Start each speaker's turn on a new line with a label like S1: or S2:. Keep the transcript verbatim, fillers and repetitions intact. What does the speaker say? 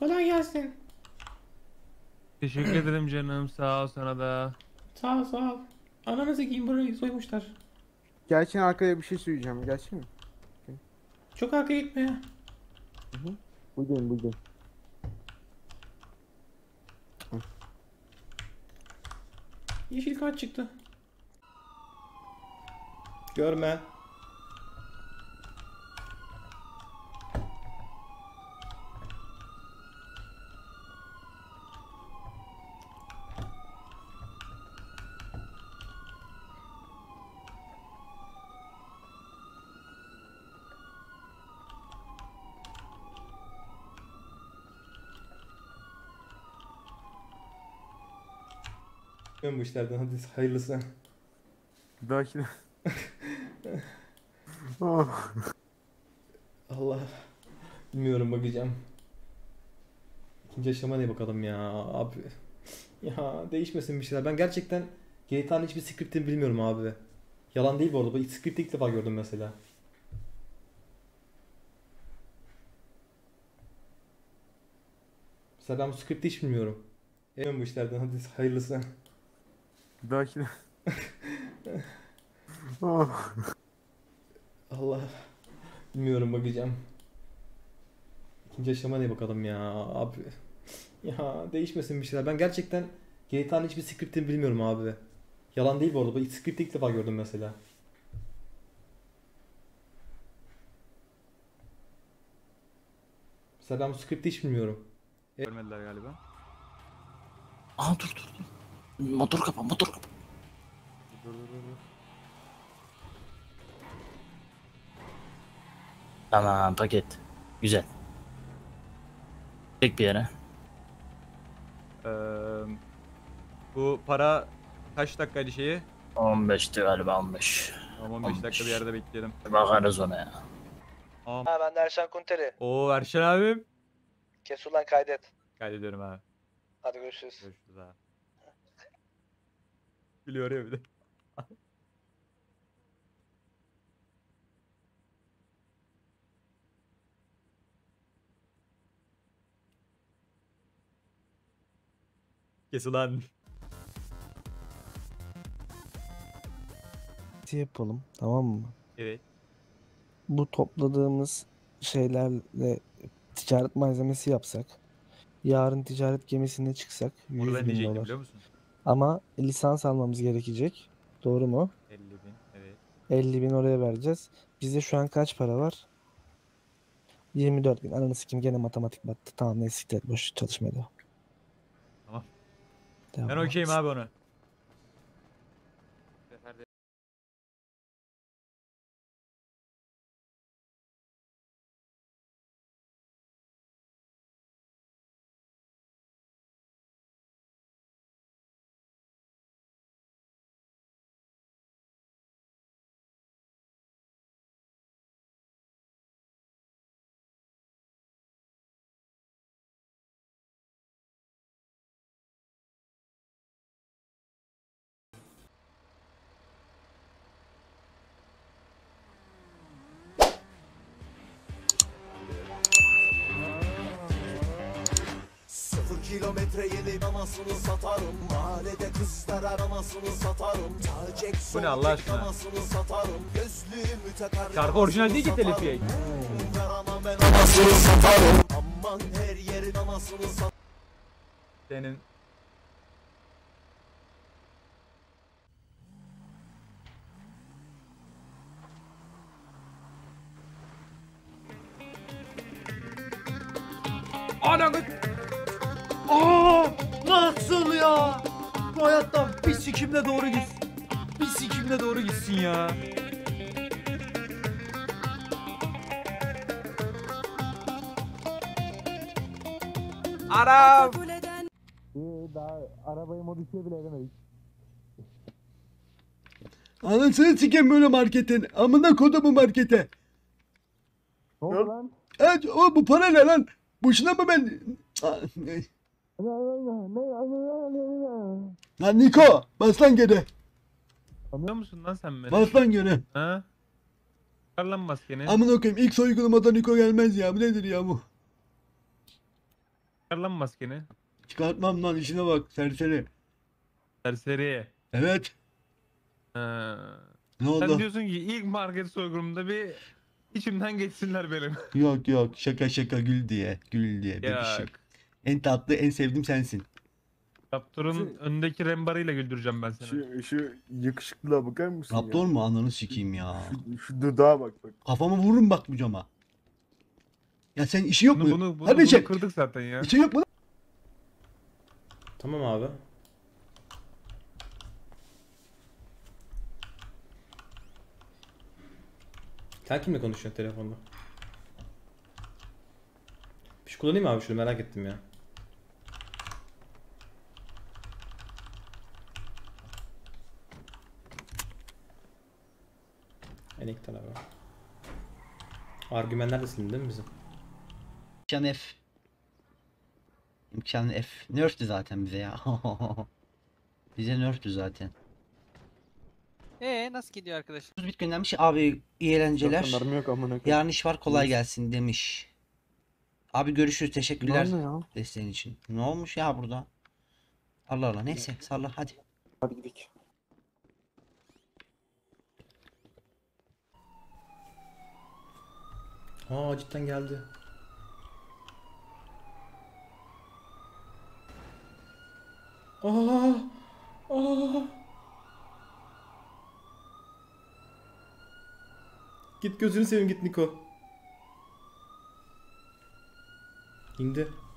S1: Kolay gelsin.
S2: Teşekkür ederim canım. Sağ ol sana da.
S1: Sağ ol, sağ ol. Ananızı giyin, burayı soymuşlar.
S3: Gerçekten arkaya bir şey söyleyeceğim. Gerçek mi?
S1: Çok arkaya gitme ya.
S3: Hı hı. Buradayım buradayım.
S1: Yeşil kart çıktı. Görme. Ben bu işlerden, hadi hayırlısı.
S3: Bir dahakine. Ah.
S1: Allah. Bilmiyorum, bakacağım. İkinci aşama ne bakalım ya abi. Ya değişmesin bir şeyler. Ben gerçekten G T A'nın hiçbir scriptini bilmiyorum abi. Yalan değil bu arada. Bu script'i ilk defa gördüm mesela. Mesela ben bu script'i hiç bilmiyorum. Ben bu işlerden, hadi hayırlısı.
S3: Bir dahakine. Ah.
S1: Allah. Bilmiyorum, bakacağım. İkinci aşama ne bakalım ya abi. Ya değişmesin bir şeyler. Ben gerçekten G T A'nın hiçbir scriptini bilmiyorum abi. Yalan değil bu arada. Bu script'i ilk defa gördüm mesela. Mesela ben bu script'i hiç bilmiyorum.
S2: Görmediler galiba.
S4: Aa dur dur dur. Motor kapa motor kapa.
S2: Dur dur dur. dur.
S4: Tamam paket. Güzel. Tek bir yere.
S2: Ee, bu para kaç dakikaydı şeyi?
S4: on beşti galiba on beş.
S2: Tamam on beş
S4: on beş.
S2: dakika bir yerde bekleyelim.
S4: Bakarız ona ya.
S2: Tamam.
S5: Ha ben de Erşan Kunteri.
S2: Oo Erşen abim.
S5: Kes ulan kaydet.
S2: Kaydediyorum abi.
S5: Hadi görüşürüz.
S2: Görüşürüz abi. Gülüyor ya bir de. Kes ulan.
S6: Yapalım, tamam mı?
S2: Evet.
S6: Bu topladığımız şeylerle ticaret malzemesi yapsak, yarın ticaret gemisine çıksak
S2: Onu
S6: yüz
S2: ben
S6: bin
S2: diyecektim
S6: dolar.
S2: biliyor musun?
S6: Ama lisans almamız gerekecek. Doğru mu?
S2: elli bin evet.
S6: elli bin oraya vereceğiz. Bizde şu an kaç para var? yirmi dört bin. Ananı sikeyim, gene matematik battı. Tamam neyse, siktir et, boş çalışmaya devam.
S2: Tamam.
S6: Devam.
S2: Ben okeyim abi onu.
S7: Sıfır kilometre yeni anasını satarım. Mahallede kızlar aramasını satarım. Tacek
S2: Bu ne Allah aşkına?
S7: anasını satarım. Gözlüğümü takar.
S2: Şarkı orijinal değil ki telif yayın.
S7: Yaramam ben anasını satarım. Aman her yerin anasını satarım.
S2: Senin Ananı. Aa! Nasıl ya? Bu hayatta bir sikimle doğru gitsin. Bir sikimle doğru gitsin ya. Aram.
S6: Daha arabayı modifiye bile edemedik.
S8: Anasını sikeyim böyle marketin. Amına kodumu markete.
S6: Ne oldu lan?
S8: Evet, o bu para ne lan? Boşuna mı ben... Lan Niko, bas lan geri.
S2: Anlıyor musun lan sen beni?
S8: Bas lan geri.
S2: Ha? Çıkar lan maskeni.
S8: Amına koyayım, ilk soygulamadan Niko gelmez ya. Bu nedir ya bu?
S3: Çıkar lan maskeni.
S8: Çıkartmam lan, işine bak serseri.
S3: Serseri.
S8: Evet.
S3: Ha.
S8: Ne
S3: Sen
S8: oldu?
S3: diyorsun ki ilk market soygunumda bir içimden geçsinler benim.
S8: Yok yok, şaka şaka, gül diye. Gül diye bebişim.
S3: Ya
S8: En tatlı, en sevdiğim sensin.
S3: Raptor'un önündeki rembarıyla güldüreceğim ben seni.
S9: Şu, şu yakışıklılığa bakar mısın ya?
S8: Raptor mu? Ananı sikeyim ya.
S9: Şu, şu dudağa bak bak.
S8: Kafamı vururum bak bu cama. Ya sen işi yok
S3: Bunu,
S8: mu?
S3: bunu, bunu,
S8: Hadi
S3: bunu
S8: çek.
S3: kırdık zaten ya.
S8: İşi yok mu?
S1: Tamam abi. Sen kimle konuşuyorsun telefonda? Bir şey kullanayım mı abi, şunu merak ettim ya. Enektar abi. Argümanlar da silindi değil mi bizim?
S2: İmkan F. İmkan F. Nerf'tü zaten bize ya. Bize nerf'tü zaten.
S10: Ee nasıl gidiyor arkadaşlar?
S2: Bit göndermiş abi, iyi eğlenceler.
S3: Zaten mermi yok amına koyayım.
S2: Yarın iş var, kolay
S3: Neyse.
S2: gelsin demiş. Abi görüşürüz, teşekkürler
S3: Ne ya?
S2: desteğin için. Ne olmuş ya burada? Allah Allah, neyse salla hadi.
S3: Hadi gidelim.
S1: Aa cidden geldi. Aa! Aa! Git gözünü seveyim, git Niko. İndi.